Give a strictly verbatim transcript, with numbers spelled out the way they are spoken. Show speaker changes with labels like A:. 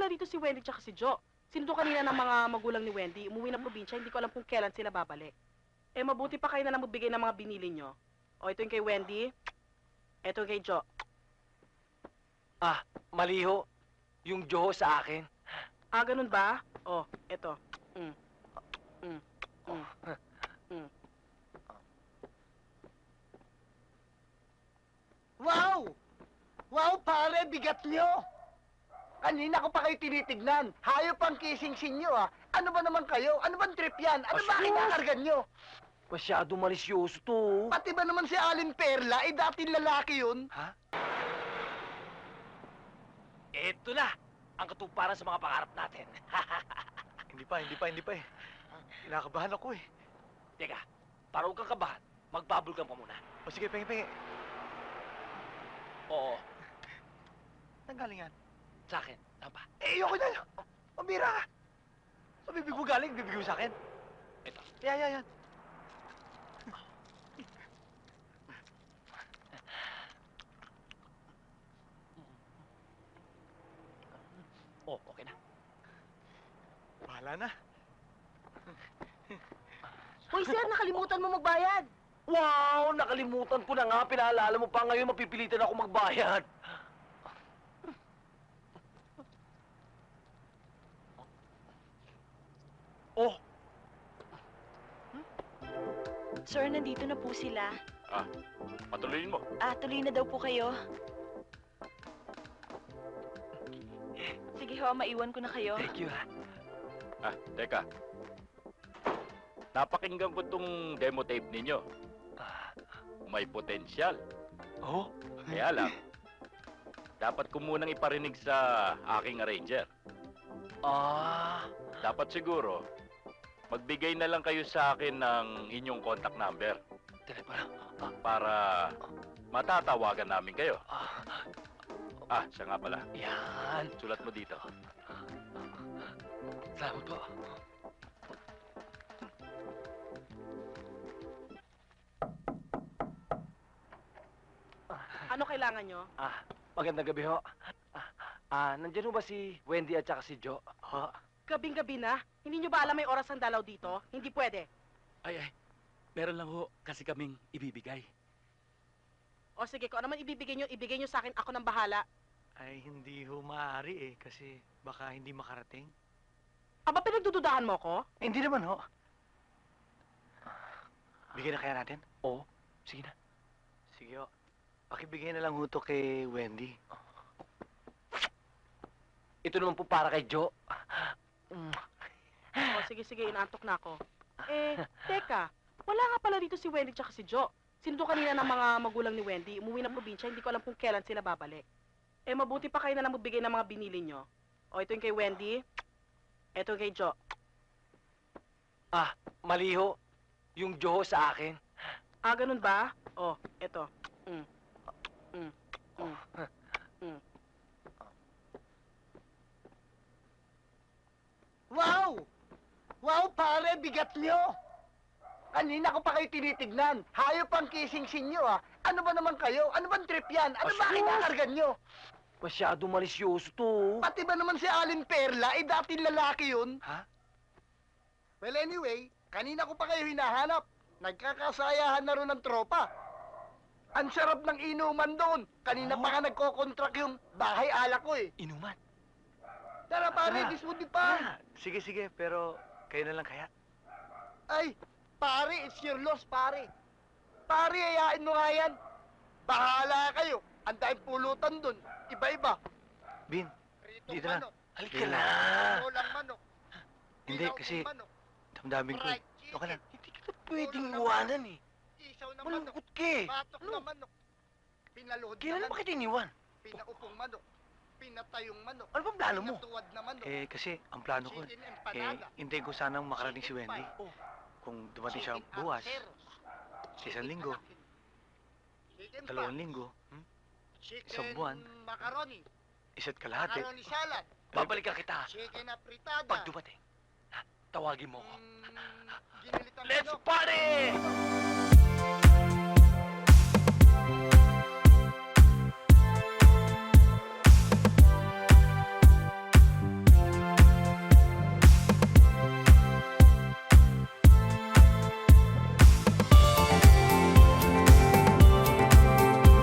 A: pala dito si Wendy tsaka si Jo. Sinundo kanina ng mga magulang ni Wendy. Umuwi ng probinsya, hindi ko alam kung kailan sila babalik. Eh, mabuti pa kayo na lang magbigay ng mga binili nyo. O, ito yung kay Wendy. Ito yung kay Jo.
B: Ah, maliho. Yung Joho sa akin.
A: Ah, ganun ba? O, ito. Mm. Mm. Mm. Mm.
C: Wow! Wow, pare, bigat nyo! Kanina ko pa kayo tinitignan. Hayop ang kissing-sin nyo, ah. Ano ba naman kayo? Ano bang trip yan? Ano ba
B: Asus!
C: kinakargan nyo?
B: Masyado malisyoso to.
C: Pati ba naman si Alin Perla, eh dating lalaki yun?
B: Ha? Ito na ang katuparan sa mga pangarap natin.
D: Hindi pa, hindi pa, hindi pa eh. Kinakabahan ako eh.
B: Teka, para huwag kang kabahan, magbubble ka pa muna.
D: O sige, pengi, pengi.
B: Oo,
D: Saan galing yan?
B: sa akin. Tama ba?
D: Eh, ayoko na. Pambira ka. Sa bibig mo galing, bibig mo sa akin.
B: Ito.
D: Yan, yan, yan.
B: Oh, okay na.
D: Bahala na.
A: Hoy, sir, nakalimutan mo magbayad.
B: Wow! Nakalimutan ko na nga. Pinaalala mo pa ngayon, mapipilitan ako magbayad. Oh!
E: Sir, nandito na po sila.
F: Ah, patuloyin mo.
E: Ah, tuloy na daw po kayo. Sige ho, maiwan ko na kayo.
B: Thank you, ha.
F: Ah, teka. Napakinggan ko tong demo tape ninyo.
B: Ah,
F: May potensyal.
B: oh?
F: Kaya lang, dapat ko munang iparinig sa aking arranger.
B: Ah,
F: Dapat siguro, magbigay na lang kayo sa akin ng inyong contact number
B: telepono.
F: para matatawagan namin kayo.
B: Ah,
F: Ah, siya nga pala.
B: yan.
F: Sulat mo dito.
B: Salamat po.
A: Ano kailangan nyo?
B: Ah, magandang gabi ho. Ah, ah, nandiyan ho ba si Wendy at saka si Jo? Ho?
A: Gabing-gabi na. Hindi nyo ba alam may oras ang dalaw dito? Hindi pwede.
G: Ay, ay. Meron lang ho kasi kaming ibibigay.
A: O sige, kung ano man ibibigay nyo, ibigay nyo sa akin. Ako nang bahala.
D: Ay, hindi ho maaari eh. Kasi baka hindi makarating.
A: Aba, pinagdududahan mo ko?
D: Eh, hindi naman ho. Bigyan na kaya natin?
B: Oo. Sige na.
D: Sige ho. Pakibigay na lang ho to kay Wendy.
B: Ito naman po para kay Jo. Mm.
A: O sige, sige, inaantok na ako. Eh, teka. Wala nga pala dito si Wendy tsaka si Jo. Sinundo kanina ng mga magulang ni Wendy. Umuwi ng probinsya, hindi ko alam kung kailan sila babalik. Eh, mabuti pa kayo na lang magbigay ng mga binili nyo. O, ito yung kay Wendy. Ito yung kay Jo.
B: Ah, maliho. Yung Joho sa akin.
A: Ah, ganun ba? O, ito. Mm. Mm. Mm. Mm.
C: Wow! Wow, pare, bigat nyo! Kanina ko pa kayo tinitignan. Hayop ang kissing-sin nyo, ah. Ano ba naman kayo? Ano bang trip yan? Ano ba
B: Asus!
C: kinakargan nyo?
B: Masyado malisyoso to.
C: Pati ba naman si Alin Perla, eh dating lalaki yun?
B: Ha?
C: Well, anyway, kanina ko pa kayo hinahanap. Nagkakasayahan na rin ng tropa. Ang sarap ng inuman doon. Kanina pa nga nagko-contract yung bahay ala ko eh.
B: Inuman.
C: Tara pare,
D: Tara.
C: this would be fun.
D: Ah, sige, sige. Pero kayo na lang kaya.
C: Ay, pare, it's your loss, pare. Pare, ayain mo nga yan. Bahala kayo. Ang dahil pulutan doon. Iba-iba.
D: Bin,
C: Pritong
D: Dito na.
C: manok,
B: Halika
D: Hindi
B: na.
C: ulang manok,
D: Hindi,
C: dilaw
D: kasi
C: ng manok,
D: damdamin ko eh.
C: fried
D: Okay lang.
C: chicken,
B: Hindi kita pwedeng iwanan eh.
C: isaw na manok,
B: Malungkot ka eh.
C: batok
B: Ano?
C: na manok, pinaluhod na
B: Kailan
C: manok,
B: ba kita iniwan?
C: pinaupong manok, pinatayong manok,
B: Ano bang plano mo?
C: pinatuwad na manok,
D: Eh, kasi ang plano ko,
C: chicken
D: eh,
C: empanada,
D: hintayin ko sanang makarating si
C: chicken
D: Wendy.
C: pie,
B: Oh.
D: Kung dumating siya
C: chicken
D: bukas,
C: arceros,
D: sa isang linggo,
C: chicken
D: dalawang
C: pie,
D: linggo, hmm?
C: chicken
D: isang buwan,
C: macaroni,
D: isa't kalahati.
C: macaroni salad,
B: Babalikan kita
C: chicken apritada,
B: pag dumating. Ha? Tawagin mo ko.
C: mm, ginilit ang
B: Let's
C: manok,
B: party!